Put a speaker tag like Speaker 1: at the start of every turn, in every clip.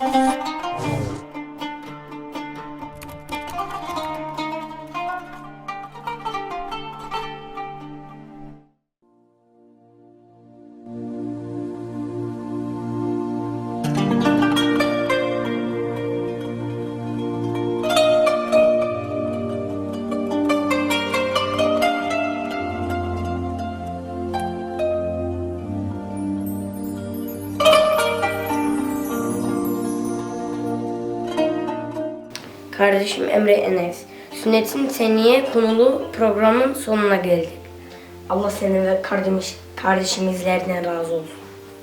Speaker 1: Kardeşim Emre Enes, Sünnet-i Seniyye konulu programın sonuna geldik. Allah senin ve kardeşimizlerden razı olsun.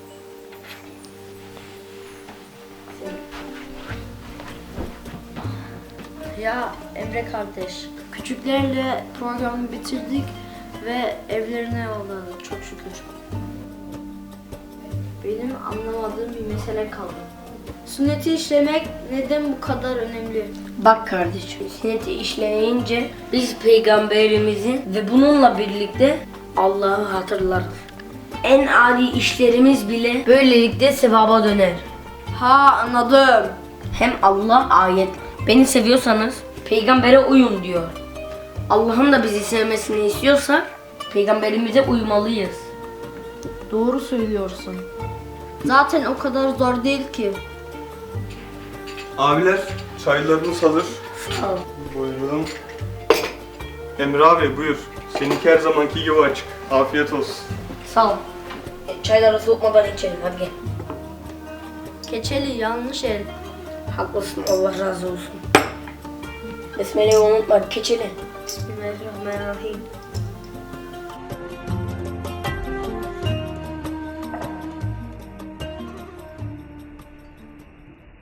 Speaker 2: Ya Emre kardeş, küçüklerle programı bitirdik ve evlerine yolladık çok şükür. Benim anlamadığım bir mesele kaldı. Sünneti işlemek neden bu kadar önemli?
Speaker 1: Bak kardeşim, sünneti işleyince biz peygamberimizi ve bununla birlikte Allah'ı hatırlarız. En adi işlerimiz bile böylelikle sevaba döner.
Speaker 2: Ha, anladım.
Speaker 1: Hem Allah ayet, beni seviyorsanız peygambere uyun diyor. Allah'ın da bizi sevmesini istiyorsak peygamberimize uymalıyız.
Speaker 2: Doğru söylüyorsun. Zaten o kadar zor değil ki.
Speaker 3: Abiler, çaylarınız hazır.
Speaker 1: Sağ ol.
Speaker 3: Buyurun. Emre abi buyur. Seninki her zamanki gibi açık. Afiyet olsun.
Speaker 1: Sağ ol. Çayları soğutmadan içelim, hadi gel.
Speaker 2: Keçeli yanlış el.
Speaker 1: Haklısın, Allah razı olsun. Besmele'yi unutma, keçeli.
Speaker 2: Bismillahirrahmanirrahim.